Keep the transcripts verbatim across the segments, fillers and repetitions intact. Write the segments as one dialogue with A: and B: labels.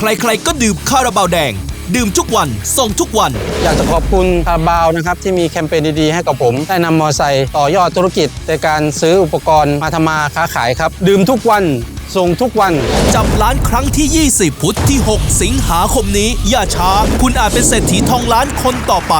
A: ใครๆก็ดื่มคาราบาวแดงดื่มทุกวันส่งทุกวัน
B: อยากจะขอบคุณคาราบาวนะครับที่มีแคมเปญดีๆให้กับผมได้นำมอเตอร์ไซค์ต่อยอดธุรกิจในการซื้ออุปกรณ์มาทำมาค้าขายครับดื่มทุกวันส่งทุกวัน
A: จับล้านครั้งที่ ยี่สิบ พุธที่ หก สิงหาคมนี้อย่าช้าคุณอาจเป็นเศรษฐีทองล้านคนต่อไป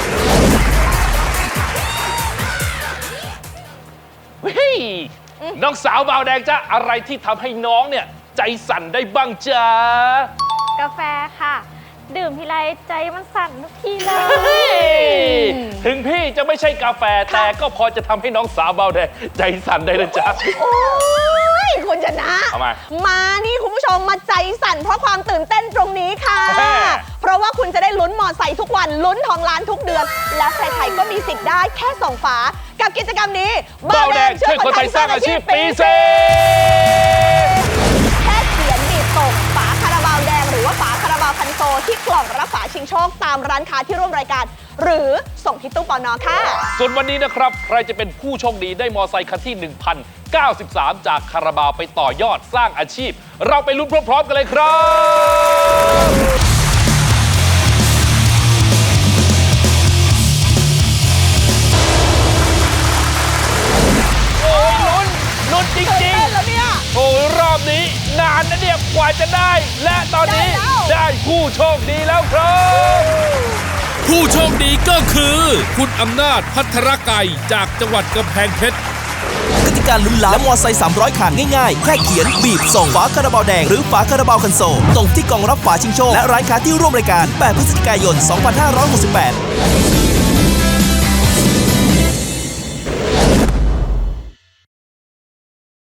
C: เฮ้ยน้องสาวบาวแดงจ้ะอะไรที่ทำให้น้องเนี่ยใจสั่นได้บ้างจ๊ะ
D: กาแฟค่ะดื่มทีไรใจมันสั่นทุกทีเลย
C: ถึงพี่จะไม่ใช่กาแฟแต่ก็พอจะทำให้น้องสาวบาวแดงใจสั่นได้นะจ๊ะ
E: โอ้ยคุณชนะ
C: ทำไม
E: มานี่คุณผู้ชมมาใจสั่นเพราะความตื่นเต้นตรงนี้ค่ะเพราะว่าคุณจะได้ลุ้นมอไซค์ทุกวันลุ้นทองล้านทุกเดือนและใครๆก็มีสิทธิ์ได้แค่ส่งฝากับกิจกรรมนี้
C: บาวแดงช่วยคนไทยสร้างอาชีพปีเซ่
E: แค่เขียนบีบส่งฝาคาราบาวแดงหรือว่าฝาคาราบาวคันโซที่กล่องรับฝาชิงโชคตามร้านค้าที่ร่วมรายการหรือส่งที่ตู้ปน.ค่ะ
C: ส่วนวันนี้นะครับใครจะเป็นผู้โชคดีได้มอไซค์คันที่ หนึ่งพันเก้าสิบสาม จากคาราบาวไปต่อยอดสร้างอาชีพเราไปลุ้นพร้อมๆกันเลยครับโอ้ยลุ้นลุ้นจริงๆ
E: แล้วเนี่ย
C: โอ้ยรอบนี้นานนะเนี่ยกว่าจะได้และตอนนี้ได้ผู้โชคดีแล้วครับ
A: ผู้โชคดีก็คือคุณอำนาจพัทรไก่จากจังหวัดกำแพงเพชรกติกาลุ้นล้านและมอไซค์สามร้อยคันง่ายๆแค่เขียนบีบส่งฝาคาราบาวแดงหรือฝาคาราบาวคันโซลตรงที่กล่องรับฝาชิงโชคและร้านค้าที่ร่วมรายการแปดพฤศจิกายนสองพันห้าร้อยหกสิบแปด